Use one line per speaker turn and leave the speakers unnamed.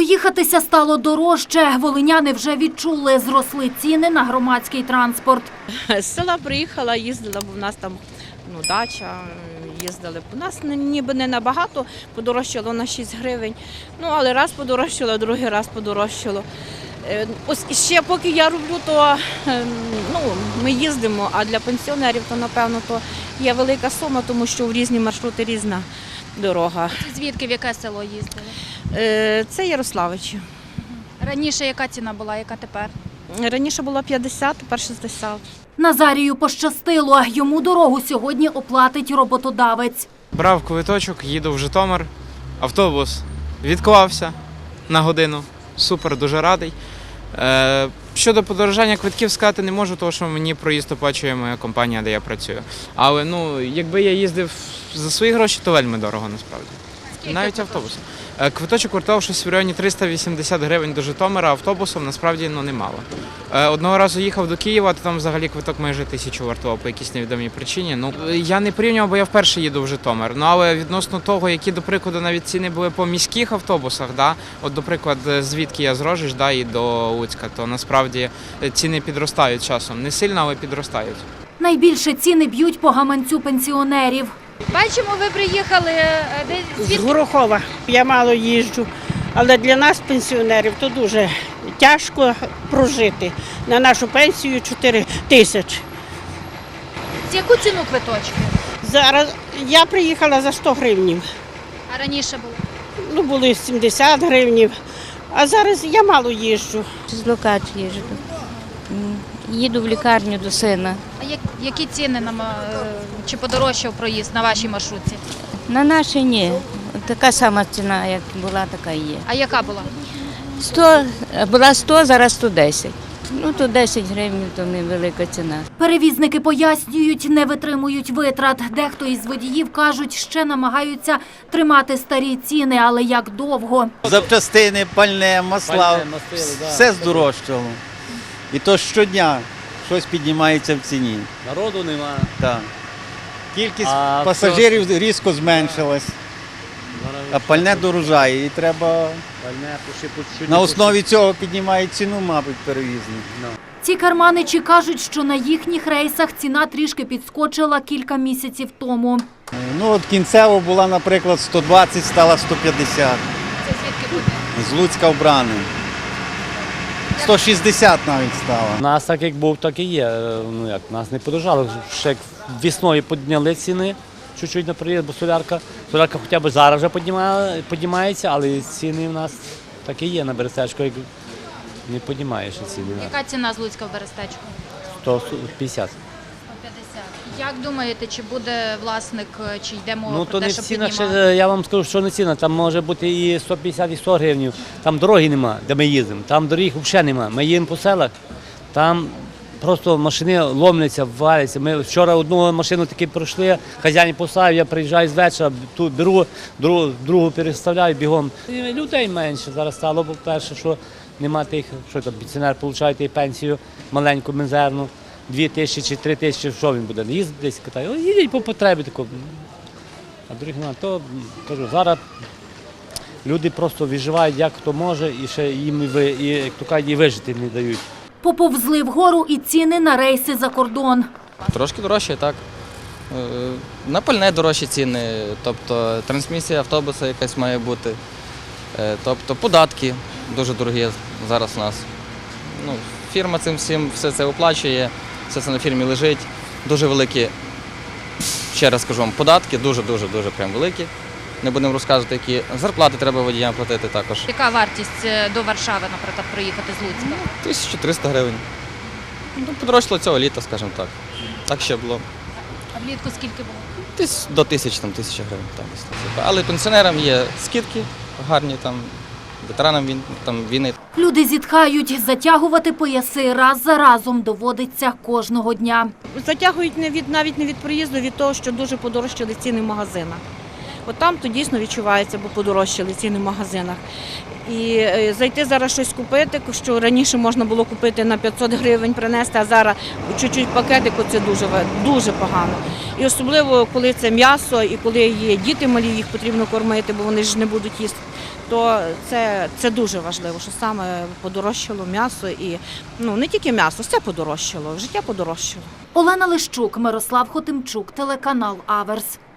Проїхатися стало дорожче. Волиняни вже відчули, зросли ціни на громадський транспорт.
З села приїхала, їздила, бо в нас там дача, їздили. У нас ніби не набагато, подорожчало на 6 гривень. Але раз подорожчало, другий раз подорожчало. Ось ще поки я роблю, то ми їздимо, а для пенсіонерів, то напевно, то є велика сума, тому що в різні маршрути різна дорога.
Звідки, в яке село їздили?
Це Ярославичі.
Раніше яка ціна була, яка тепер?
Раніше було 50, тепер 60.
Назарію пощастило. Йому дорогу сьогодні оплатить роботодавець.
Брав квиточок, їду в Житомир, автобус відклався на годину. Супер, дуже радий. Щодо подорожання квитків сказати не можу, тому що мені проїзд оплачує моя компанія, де я працюю. Але якби я їздив за свої гроші, то вельми дорого насправді. Навіть автобусом. Квиточок коштував щось в районі 380 гривень до Житомира, автобусом насправді немало. Одного разу їхав до Києва, то там взагалі квиток майже 1000 вартував по якійсь невідомій причині. Я не порівнював, бо я вперше їду в Житомир. Але відносно того, які, до прикладу, навіть ціни були по міських автобусах, от, до прикладу, звідки я з Рожищ і до Луцька, то насправді ціни підростають часом. Не сильно, але підростають.
Найбільше ціни б'ють по гаманцю пенсіонерів.
Бачимо, ви приїхали
з Горохова. Я мало їжджу, але для нас, пенсіонерів, то дуже тяжко прожити. На нашу пенсію 4 тисячі.
З яку ціну квиточки?
Зараз я приїхала за 100 гривнів.
А раніше було?
Були 70 гривнів, а зараз я мало їжджу.
З Лукач їжджу. Їду в лікарню до сина.
А які ціни чи подорожчав проїзд на вашій маршрутці?
На нашій ні. Така сама ціна, як була, така і є.
А яка була?
100, була 100, зараз 110. То 10 гривень, то невелика ціна.
Перевізники пояснюють, не витримують витрат. Дехто із водіїв кажуть, ще намагаються тримати старі ціни, але як довго.
Запчастини, пальне, масла, все здорожчало. І то щодня щось піднімається в ціні.
Народу немає.
Так. Кількість пасажирів різко зменшилась, а пальне дорожає. І треба на основі цього піднімає ціну, мабуть, перевізник.
Ці керманичі кажуть, що на їхніх рейсах ціна трішки підскочила кілька місяців тому.
От кінцево була, наприклад, 120, стала 150.
Це звідки буде?
З Луцька в Брани. 160 навіть стало.
У нас так як був, так і є. Нас не подорожало. Ще весною підняли ціни, чуть-чуть на приїзд, бо солярка хоча б зараз вже піднімається, але ціни в нас так і є на Берестечку, як не піднімаєш ціни.
Яка ціна з Луцька в Берестечку?
150.
150. Як думаєте, чи буде власник, чи йде мова про
То
те,
не
що
ціна,
піднімати?
я вам скажу, що не ціна. Там може бути і 150, і 100 гривень. Там дороги нема, де ми їздимо. Там доріг взагалі нема. Ми їдемо по селах, там просто машини ломляться, валяться. Ми вчора одну машину таки пройшли, хазяїн поставив, я приїжджаю з вечора, тут беру, другу переставляю бігом. Людей менше зараз стало, бо перше, що нема тих, що там пенсіонер отримує пенсію маленьку, мізерну. 2 тисячі чи 3 тисячі, що він буде? Їздить десь катає. Їдять по потребі такого. А других немає. То кажу, зараз люди просто виживають, як хто може, і ще їм як то кажуть, і вижити не дають.
Поповзли вгору і ціни на рейси за кордон.
Трошки дорожче, так. На пальне дорожчі ціни, тобто трансмісія автобуса якась має бути, тобто податки дуже дорогі зараз у нас. Фірма цим всім все це оплачує, все це на фірмі лежить. Дуже великі, ще раз скажу вам, податки, дуже-дуже прям великі. Не будемо розказувати, які зарплати треба водіям платити також.
Яка вартість до Варшави, наприклад, проїхати з Луцька?
1300 гривень. Подорожчало цього літа, скажімо так. Так ще було.
А влітку скільки було?
Десь до 1000 гривень. Так. Але пенсіонерам є скидки гарні, ветеранам війни.
Люди зітхають, затягувати пояси раз за разом доводиться кожного дня.
Затягують навіть не від проїзду, від того, що дуже подорожчали ціни в магазинах. От там то дійсно відчувається, бо подорожчали ціни в магазинах. І зайти зараз щось купити, що раніше можна було купити на 500 гривень принести, а зараз чуть-чуть пакетику це дуже погано. І особливо, коли це м'ясо і коли є діти малі, їх потрібно кормити, бо вони ж не будуть їсти. то це дуже важливо, що саме подорожчало м'ясо і не тільки м'ясо, все подорожчало, життя подорожчало.
Олена Лищук, Мирослав Хотимчук, телеканал Аверс.